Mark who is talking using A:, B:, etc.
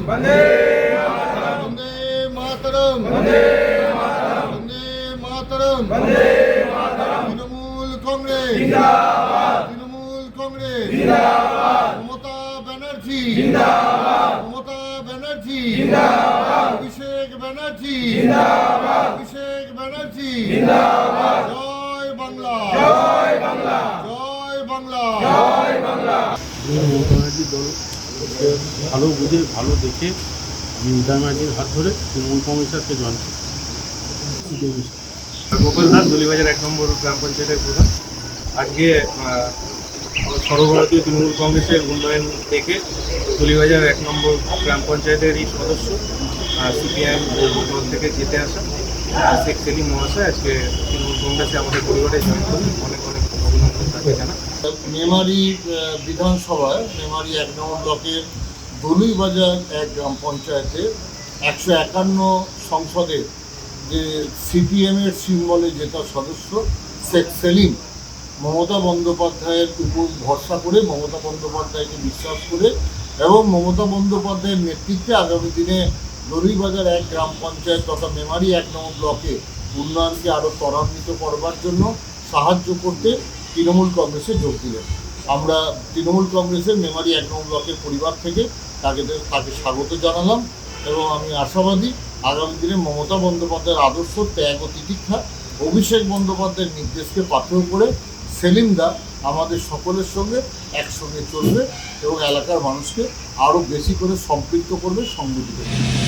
A: वंदे मातरम वंदे मातरम तृणमूल कांग्रेस जिंदाबाद तृणमूल कांग्रेस जिंदाबाद ममता बनर्जी जिंदाबाद ममता बनर्जी जिंदाबाद अभिषेक बनर्जी जिंदाबाद अभिषेक बनर्जी जिंदाबाद जय बांग्ला जय बांग्ला जय बांग्ला जय बांग्ला।
B: মমতা ব্যানার্জির দল ভালো বুঝে ভালো দেখে আমি মমতা ব্যানার্জির হাত ধরে তৃণমূল কংগ্রেসকে জয়েন করি।
C: গোপাল দাস দলিবাজার 1 নম্বর গ্রাম পঞ্চায়েতের প্রধান। আজকে সর্বভারতীয় তৃণমূল কংগ্রেসের উন্নয়ন দেখে দলিবাজার 1 নম্বর গ্রাম পঞ্চায়েতের এই সদস্য সিপিআইএম দল থেকে জিতে আসা শেখ সেলিম মহাশয় আজকে তৃণমূল কংগ্রেসে আমাদের পরিবারে জয়েন করি। অনেক অনেক অভিনন্দন তাকে জানা।
A: মেমারি বিধানসভায় মেমারি 1 নম্বর ব্লকের দলিবাজার 1 গ্রাম পঞ্চায়েতে 151 সংসদের যে সিপিএমের সিম্বলে জেতা সদস্য শেখ সেলিম মমতা বন্দ্যোপাধ্যায়ের উপর ভরসা করে, মমতা বন্দ্যোপাধ্যায়কে বিশ্বাস করে এবং মমতা বন্দ্যোপাধ্যায়ের নেতৃত্বে আগামী দিনে দলিবাজার 1 গ্রাম পঞ্চায়েত তথা মেমারি 1 নম্বর ব্লকে উন্নয়নকে আরও ত্বরান্বিত করবার জন্য সাহায্য করতে তৃণমূল কংগ্রেসে যোগ দিলেন। আমরা তৃণমূল কংগ্রেসের মেমারি 1 নম্বর ব্লকের পরিবার থেকে তাকে স্বাগত জানালাম এবং আমি আশাবাদী আগামী দিনে মমতা বন্দ্যোপাধ্যায়ের আদর্শ, ত্যাগ ও তিতিক্ষা, অভিষেক বন্দ্যোপাধ্যায়ের নির্দেশকে পাথেয় করে সেলিমদা আমাদের সকলের সঙ্গে একসঙ্গে চলবে এবং এলাকার মানুষকে আরও বেশি করে সম্পৃক্ত করবে, সংগঠিত করবে।